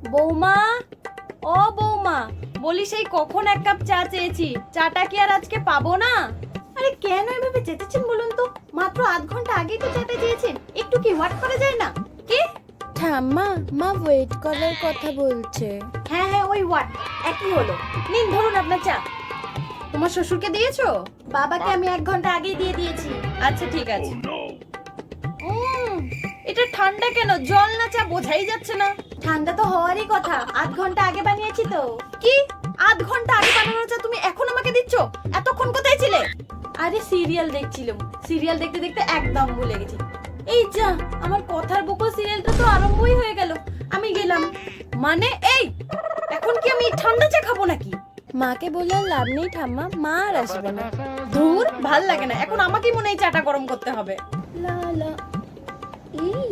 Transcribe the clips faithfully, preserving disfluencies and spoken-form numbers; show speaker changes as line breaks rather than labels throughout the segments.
বৌমা, ও বৌমা, বলি সেই কখন এক কাপ চা চেয়েছি, চাটা কি আর আজকে পাবো না? আরে কেন এভাবে চেঁচাচ্ছেন বলুন তো? মাত্র আধ ঘন্টা আগেই তো চাটা চেয়েছেন, একটু কি ওয়েট করা যায় না? কি?
ঠাম্মা, মা ওয়েট করার কথা বলছে।
হ্যাঁ হ্যাঁ, ওই ওয়াট একই হলো। নিন ধরুন আপনার চা। তোমার শ্বশুরকে দিয়েছো? বাবাকে আমি এক ঘন্টা আগেই দিয়ে দিয়েছি। আচ্ছা ঠিক আছে। উম, এটা ঠান্ডা কেন? জল না চা বোঝাই যাচ্ছে না। ঠান্ডা তো হওয়ারই কথা, আধ ঘন্টা আগে বানিয়েছি তো। কি আধ ঘন্টা আগে বানানো চা তুমি এখন আমাকে দিচ্ছ? এতক্ষণ কোথায় ছিলে? আরে সিরিয়াল দেখছিলাম, সিরিয়াল দেখতে দেখতে একদম ভুলে গেছি। এই যা, আমার কথার বকল সিরিয়ালটা তো আরম্ভই হয়ে গেল। আমি গেলাম। মানে এই এখন কি আমি ঠান্ডা চা খাবো নাকি?
মাকে বলে আর লাভ নেই ঠাম্মা, মা আর আসবে না।
ধুর, ভাল লাগে না, এখন আমাকেই মনে হয় চাটা গরম করতে হবে।
লা লা এই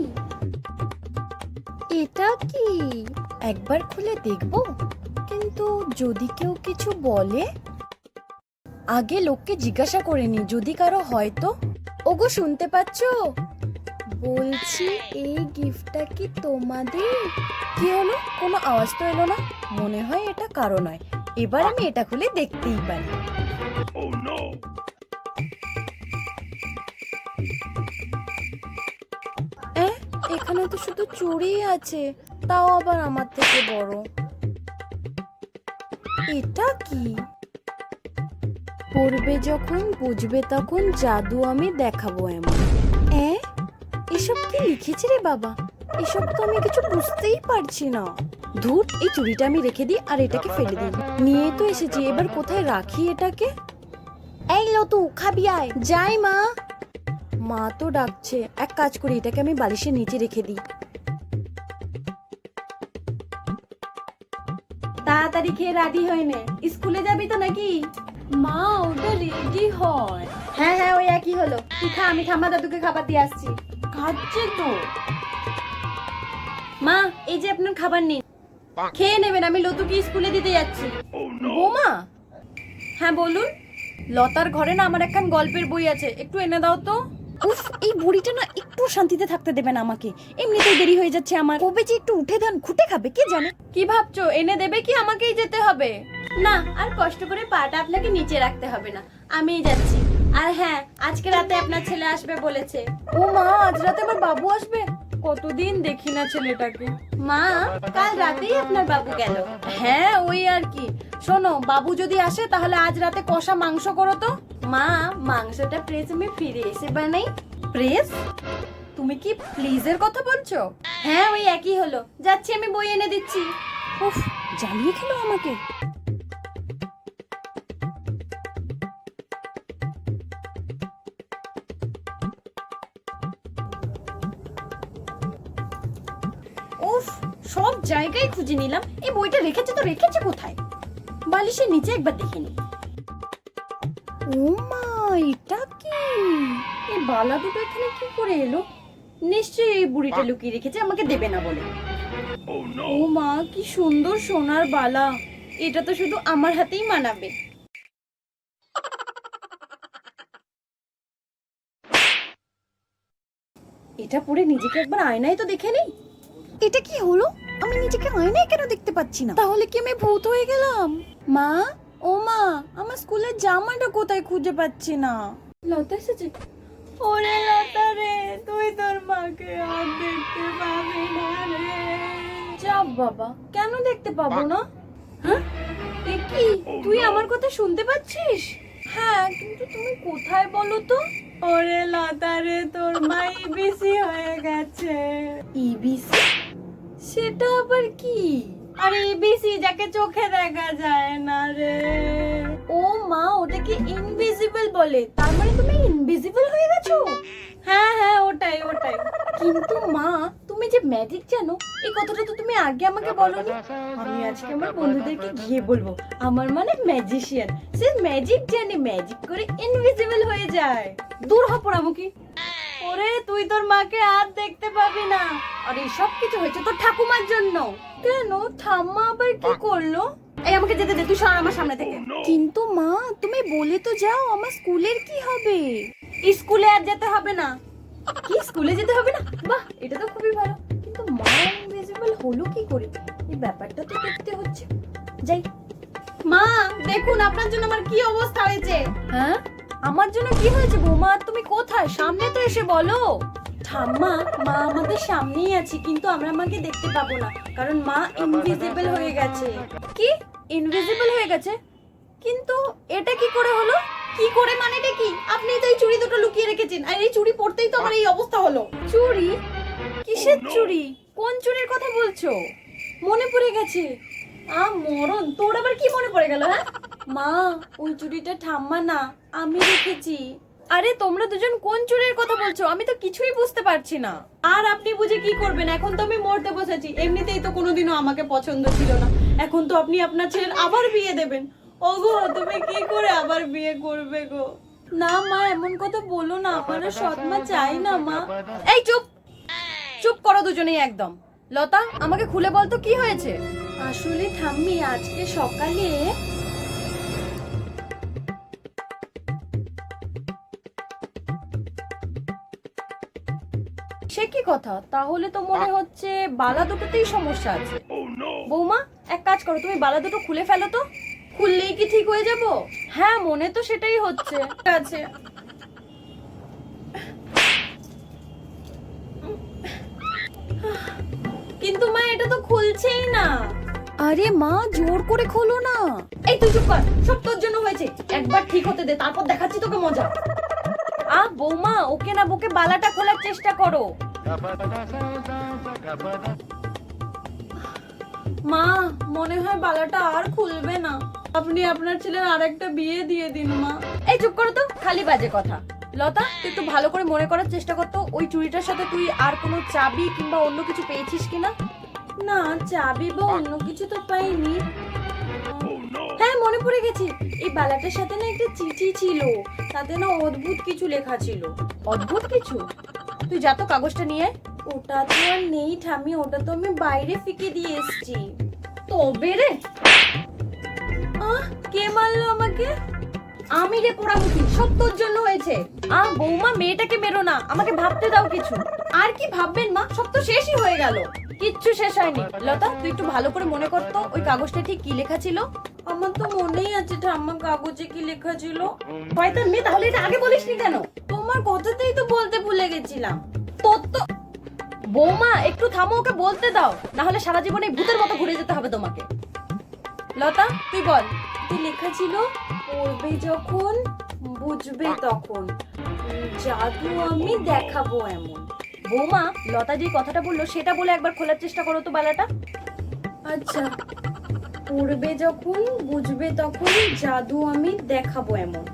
এটা কি? একবার খুলে দেখবো, কিন্তু যদি কেউ কিছু বলে আগে লোককে জিজ্ঞাসা করে নি, যদি কারো হয় তো। ওগো শুনতে পাচ্ছো? বলছি এই গিফটটা কি তোমাদের? কি হলো? কোনো আওয়াজ তো এলো না, মনে হয় এটা কারো নয়। এবার আমি এটা খুলে দেখতেই পারি। এ, এখানে তো শুধু চুড়ি আছে, তাও আবার আমার থেকে বড়। এটা কি? পড়বে যখন বুঝবে তখন জাদু আমি দেখাবো এমন। এ, এসব কি লিখেছে রে বাবা? এসব তো আমি কিছু বুঝতেই পারছি না। ধুর, এই চুড়িটা আমি রেখে দিই আর এটাকে ফেলে দিই। নিয়ে তো এসেছি, এবার কোথায় রাখি এটাকে? এই লতু, খাবি আয়। যাই মা। মা তো ডাকছে, এক কাজ করি, এটাকে আমি বালিশের নিচে রেখে দিই।
তাড়াতাড়ি খেয়ে রেডি হয়ে নে, স্কুলে যাবি তো নাকি?
মা ওটা রেডি হয়।
হ্যাঁ হ্যাঁ, ওই একই হলো। তুই খা, আমি ঠাম্মা দাদুকে খাবার দিয়ে আসছি।
খাচ্ছে তো।
মা, এই যে আপনার খাবার নিন, খেয়ে নেবেন, আমি লতুকে স্কুলে দিতে যাচ্ছি।
বোমা,
হ্যাঁ বলুন। লতার ঘরে না আমার একখান গল্পের বই আছে, একটু এনে দাও তো।
উফ, এই বুড়িটা না একটু শান্তিতে থাকতে দেবে না আমাকে। এমনিতেই দেরি হয়ে যাচ্ছে আমার। কবে যে একটু উঠে দেন, খুঁটে খাবে কে জানে।
কি ভাবছো, এনে দেবে কি আমাকেই যেতে হবে? না, আর কষ্ট করে পাটা আপনাকে নিচে রাখতে হবে না, আমিই যাচ্ছি। আর হ্যাঁ, আজকে রাতে আপনার ছেলে আসবে বলেছে।
ও মা, আজ রাতে আমার বাবু আসবে? কতদিন দেখি না ছেলেটাকে।
মা, কাল রাতেই আপনার বাবু গেল।
হ্যাঁ, ওই আর কি। শোনো, বাবু যদি আসে তাহলে আজ রাতে কষা মাংস করো তো।
মা, মাংসটা প্রেস আমি ফিরে এসে বানাই।
প্রেস? তুমি কি প্লিজের কথা বলছো?
হ্যাঁ, ওই একই হলো। যাচ্ছি, আমি বই এনে দিচ্ছি।
উফ, জ্বালিয়ে খেলো আমাকে।
উফ, সব জায়গায় খুঁজে নিলাম, এই বইটা রেখেছে তো রেখেছে কোথায়? বালিশের নিচে একবার দেখে নি।
ও মা, এটা কি?
এই বালা দুটো এখানে কি করে এলো? নিশ্চয়ই এই বুড়িটা লুকিয়ে রেখেছে আমাকে দেবে না বলে। ও মা, কি সুন্দর সোনার বালা, এটা তো শুধু আমার হাতেই মানাবে। এটা পরে নিজেকে একবার আয়নায় তো দেখে নেই।
এটা কি হলো? আমি নিজেকে আয়নায় কেন দেখতে পাচ্ছি না? তাহলে কি আমি ভূত হয়ে গেলাম? মা, ও মা, আমার স্কুলের জামাটা কোথায় খুঁজে পাচ্ছি না।
লতা এসেছে। ওরে লতা রে, তুই তোর মাকে আর দেখতে পাবি না রে।
যাব বাবা, কেন দেখতে পাবো না?
হ্যাঁ, এ কি, তুই আমার কথা শুনতে পাচ্ছিস?
হ্যাঁ, কিন্তু তুমি কোথায় বলো তো?
ওরে লতা রে, তোর মা ইবিসি হয়ে গেছে।
ইবিসি? সেটা আবার কি?
আরে ইবিসি, যাকে চোখে দেখা যায় না রে।
ও মা, ওটাকে ইনভিজিবল বলে। তার মানে তুমি ইনভিজিবল হয়ে গেছো?
হ্যাঁ হ্যাঁ, ওটাই ওটাই।
কিন্তু মা, তুমি যে ম্যাজিক জানো, এই কথাটা তো তুমি আগে আমাকে বলোনি। আমি আজকে আমার বন্ধুদেরকে গিয়ে বলবো আমার মানে ম্যাজিশিয়ান, সে ম্যাজিক জানে, ম্যাজিক করে ইনভিজিবল হয়ে যায়।
দূর হ পোড়ামুখী। ওরে, তুই তোর মাকে আর দেখতে পাবি না। আর এই সব কিছু হয়েছে তোর ঠাকুমার জন্য।
কেন? ঠাম্মা আবার কি করলো?
এই আমাকে যেতে দে, তুই সর আমার সামনে থেকে।
কিন্তু মা, তুমি বলে তো যাও, আমার স্কুলের কি হবে?
স্কুলে আর যেতে হবে না। কি, স্কুলে যেতে হবে না? বাহ, এটা তো খুবই ভালো। কিন্তু মা ইনভিজিবল
ইনভিজিবল হলো কি করে? এই ব্যাপারটা তো দেখতে হচ্ছে। যাই।
মা দেখুন আপনার জন্য আমার কি অবস্থা হয়েছে।
হ্যাঁ, আমার জন্য কি হয়েছে বৌমা? তুমি কোথায়? সামনে তো এসে বলো। ঠাম্মা, মা আমাদের সামনেই আছে, কিন্তু আমরা মাকে দেখতে পাবো না, কারণ মা ইনভিজিবল হয়ে গেছে। কি ইনভিজিবল হয়ে গেছে? কিন্তু এটা কি করে হলো?
কি করে মানেটা কি? আপনি তো এই চুড়ি দুটো লুকিয়ে রেখেছেন, আর এই চুড়ি পরতেই তো আমার এই অবস্থা হলো।
চুরি? কিসের চুরি? কোন চুরির কথা বলছো? মনে পড়ে গেছে।
আ মরণ, তোর আবার কি মনে পড়ে গেল? হ্যাঁ
মা, ওই চুড়িটা ঠাম্মা না, আমি রেখেছি। আরে তোমরা দুজন কোন চুরির কথা বলছো? আমি তো কিছুই বুঝতে পারছি না।
আর আপনি বুঝে কি করবেন? এখন তো আমি মরতে বসেছি। এমনিতেই তো কোনোদিনও আমাকে পছন্দ ছিল না, এখন তো আপনি আপনার ছেলের আবার বিয়ে দেবেন। ওগো তুমি কি করে আবার বিয়ে করবে গো?
না মা, এমন কথা বলো না, আমার আর সৎ মা চাই না মা।
এই চুপ, চুপ করো দুজনেই একদম। লতা, আমাকে খুলে বল তো কি হয়েছে?
আসলে ঠাম্মি, আজকে সকালে
সে কি কথা? তাহলে তো মনে হচ্ছে বালা দুটোতেই সমস্যা আছে। বৌমা, এক কাজ করো, তুমি বালা দুটো খুলে ফেলো তো। খুললেই কি ঠিক হয়ে যাব?
হ্যাঁ, মনে তো সেটাই হচ্ছে।
ঠিক আছে। কিন্তু মা, এটা তো খুলছেই না।
আরে মা, জোর করে খোলো না।
এই তুই চুপ কর, সব তোর জন্য হয়েছে। একবার ঠিক হতে দে, তারপর দেখাচ্ছি তোকে মজা।
আ বৌমা, ওকে না বকে বালাটা খোলার চেষ্টা করো।
মা, মনে হয় বালাটা আর খুলবে না। আপনি আপনার ছেলের আরেকটা বিয়ে দিয়ে দিন মা।
এই চুপ করো তো, খালি বাজে কথা। লতা, তুই একটু ভালো করে মনে করার চেষ্টা করতো, ওই চুড়িটার সাথে তুই আর কোনো চাবি কিংবা অন্য কিছু পেয়েছিস কিনা?
না, চাবি বা অন্য কিছু তো পাইনি।
হ্যাঁ, মনে পড়ে গেছে। এই বালাটার সাথে না একটা চিঠি ছিল, তাতে না অদ্ভুত কিছু লেখা ছিল।
অদ্ভুত কিছু? তুই যা তো কাগজটা নিয়ে আয়।
ওটা তো আর নেই ঠাম্মি, ওটা তো আমি বাইরে ফিকে দিয়ে এসেছি।
তবে রে,
আহ, কে মারলো আমাকে?
আমি রে পোড়ামুখী, সব তোর জন্য হয়েছে।
আ বৌমা, মেয়েটাকে মেরো না, আমাকে ভাবতে দাও কিছু।
আর কি ভাববেন মা, সব তো শেষই হয়ে গেল।
কিচ্ছু শেষ হয়নি। লতা, তুই একটু ভালো করে মনে করতো, ওই কাগজটা ঠিক কি লেখা ছিল?
আমার তো মনেই আছে ঠাম্মা, কাগজে কি লেখা ছিল। শয়তান মেয়ে, তাহলে এটা আগে বলিসনি কেন?
তোমার কথাতেই তো বলতে ভুলে গেছিলাম।
তোর তো
বৌমা, একটু থামো, ওকে বলতে দাও, না হলে সারা জীবনে ভূতের মতো ঘুরে যেতে হবে তোমাকে। লতা, তুই বল।
কি লেখা ছিল?
পড়বে যখন, বুঝবে তখন, জাদু আমি দেখাবো এমন। বৌমা, লতা যে কথাটা বললো সেটা বলে একবার খোলার চেষ্টা করো তো বালাটা।
আচ্ছা, পড়বে যখন, বুঝবে তখন, জাদু আমি দেখাবো এমন।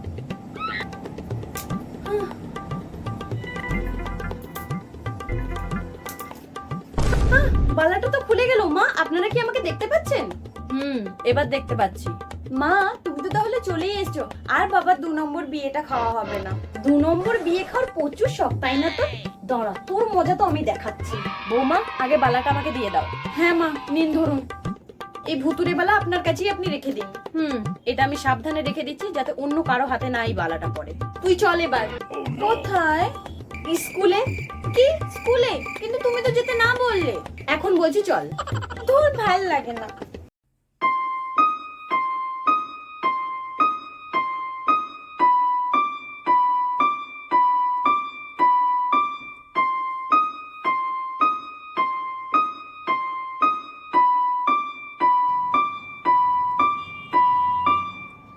আহ, বালাটা তো খুলে গেল। মা, আপনারা কি আমাকে দেখতে পাচ্ছেন?
হুম, এবার দেখতে পাচ্ছি।
মা, তুমি তো তাহলে চলেই এসছো। আর বাবার দু নম্বর বিয়েটা খাওয়া হবে না। দু নম্বর বিয়ে খাওয়ার প্রচুর শখ, তাই না? তো দাঁড়া, তোর মজা তো আমি দেখাচ্ছি।
বৌমা, আগে বালাটা আমাকে দিয়ে দাও।
হ্যাঁ মা, নিন ধরুন। এই ভুতুরে বালা আপনার কাছেই আপনি রেখে দিন।
হুম, এটা আমি সাবধানে রেখে দিচ্ছি, যাতে অন্য কারো হাতে না এই বালাটা পড়ে।
তুই চল এবার।
কোথায়?
স্কুলে।
কি স্কুলে? কিন্তু তুমি তো যেতে না বললে।
এখন বলছি চল।
তোর ভাল লাগে না।